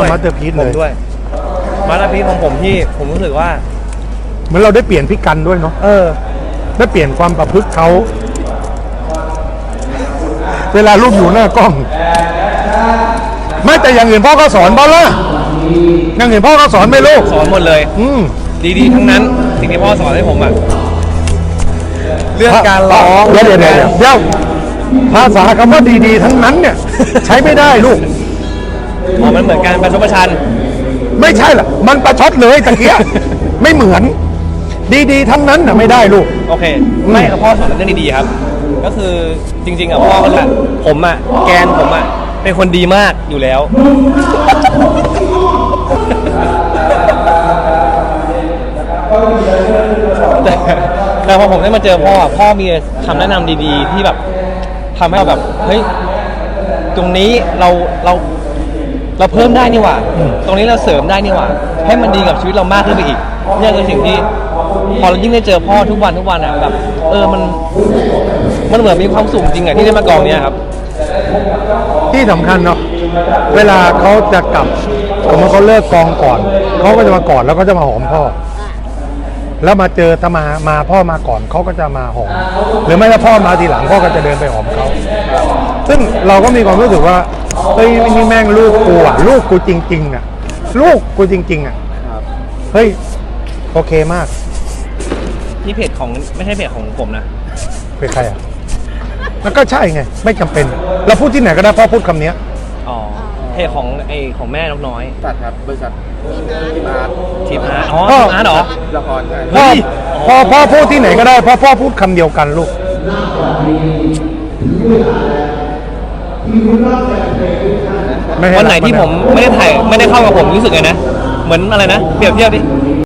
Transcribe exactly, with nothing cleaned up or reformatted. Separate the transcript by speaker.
Speaker 1: มาสเตอร์พีซ
Speaker 2: ผ
Speaker 1: เล
Speaker 2: ม
Speaker 1: ย
Speaker 2: ด้วยมาสเตอร์พีซของผมที่ผมรู้สึกว่า
Speaker 1: เหมือนเราได้เปลี่ยนพี่กันด้วยเนาะ
Speaker 2: เออ
Speaker 1: ได้เปลี่ยนความประพฤติเขาเวลารูปอยู่หน้ากล้อง ไม่แต่อย่างอื่นพ่อก็สอนบอลละอย่างอื่นพ่อก็สอนไม่ลูก
Speaker 2: สอนหมดเลย
Speaker 1: อืม
Speaker 2: ดีๆทั้งนั้นสิ่งที่พ่อสอนให้ผมอะเรื่องการร้อง
Speaker 1: เดี๋ยวเดี๋ยวเดี๋ยวเดี๋ยวภาษาคำว่าดีๆทั้งนั้นเนี่ย ใช้ไม่ได้ลูก
Speaker 2: อ๋อมันเหมือนการประชดประชัน
Speaker 1: ไม่ใช่ล่ะ มันประชดเลยตะเกีย ไม่เหมือน ดีๆทั้งนั้นน่ะไม่ได้ลูก
Speaker 2: โอเคไม่ครับพ่อสอนเรื่องดีๆครับ ก็คือจริงๆอะพ่อก็รู้ผมอะแกนผมอะเป็นคนดีมากอยู่แล้ว แต่แต่พอผมได้มาเจอพ่ออะพ่อมีคำแนะนำดีๆ ที่แบบทำให้เราแบบเฮ้ยตรงนี้เราเราเราเพิ่มได้นี่หว่า ตรงนี้เราเสริมได้นี่หว่า ให้มันดีกับชีวิตเรามากขึ้นไปอีกเนี่ยคือสิ่งที่พอเรายิ่งได้เจอพ่อทุกวันทุกวันอ่ะแบบเออมันมันเหมือนมีความสุขจริงอ่ะที่ได้มากองเนี้ยครับ
Speaker 1: ที่สำคัญเนาะเวลาเขาจะกลับสมมติเขาเลิกกองก่อนเขาก็จะมากอดแล้วก็จะมาหอมพ่อ แล้วมาเจอถ้ามามาพ่อมาก่อนเขาก็จะมาหอมหรือไม่ถ้าพ่อมาทีหลังพ่อก็จะเดินไปหอมเขาซึ่งเราก็มีความรู้สึกว่าเฮ้ยนี่แม่งลูกกูอ่ะลูกกูจริงๆอ่ะลูกกูจริงๆอ่ะเฮ้ยโอเคมาก
Speaker 2: นี่เพจของไม่ใช่เพจของผมนะ
Speaker 1: เป็นใครอ่ะมันก็ใช่ไงไม่จำเป็นเราพูดที่ไหนก็ได้พ่อพูดคำนี้
Speaker 2: อ๋อเพจของไอของแม่นกน้อย
Speaker 3: ตัดครับบริษัททีมอาร์ต
Speaker 2: ทีมอาร์ตอ๋อทีมอาร์ตเหรอ
Speaker 3: ละครใช่
Speaker 1: พ่อพ่อพ่อพูดที่ไหนก็ได้พ่อพ่อพูดคำเดียวกันลูกม่ให้
Speaker 2: วันไหนที่
Speaker 1: รัก
Speaker 2: ผมไม่ได้ถ่ายไม่ได้เข้ากับผมรู้สึกไงนะ เหมือนอะไรนะ เปรียบเทียบดิ